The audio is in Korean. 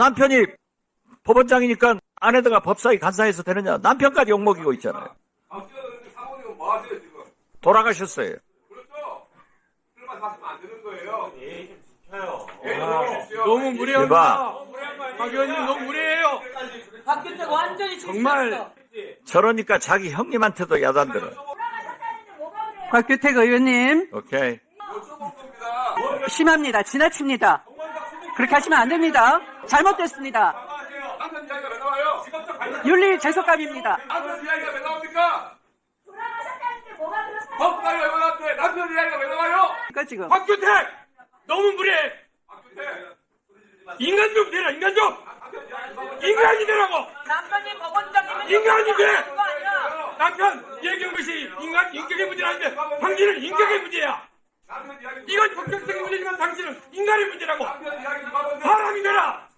남편이 법원장이니까 아내들과 법사위 간사해서 되느냐. 남편까지 욕먹이고 있잖아요. 사모님은 뭐 하세요, 지금? 돌아가셨어요. 그렇죠? 그런 말 하시면 안 되는 거예요. 예의 좀 지켜요. 너무 무례합니다. 대박. 박 의원님 너무 무례해요. 박규택 완전히 정말. 실수했어. 저러니까 자기 형님한테도 야단들어. 박규택 의원님 오케이. 여쭤본 겁니다. 심합니다. 지나칩니다. 그렇게 하시면 안 됩니다. 잘못됐습니다. 남편 이야기가 왜 나와요? 윤리 죄속감입니다. 남편 이야기가 왜 나옵니까? 돌아가셨다는데 뭐가 그렇다고? 법사위 의원한테 남편 이야기가 왜 나와요? 그러니까 지금 박규택 너무 무례해. 인간 좀 되라. 인간 좀. 인간이 되라고. 남편이 법원장님은 인간이 돼. 그거 아니야. 남편 얘기한 것이 인격의 문제는 아닌데 당신은 인격의 문제야. 남편 이야기 이건 법적인 문제지만 당신은 인간의 문제라고. 남편 이야기 누가 먼저 사람이 되라.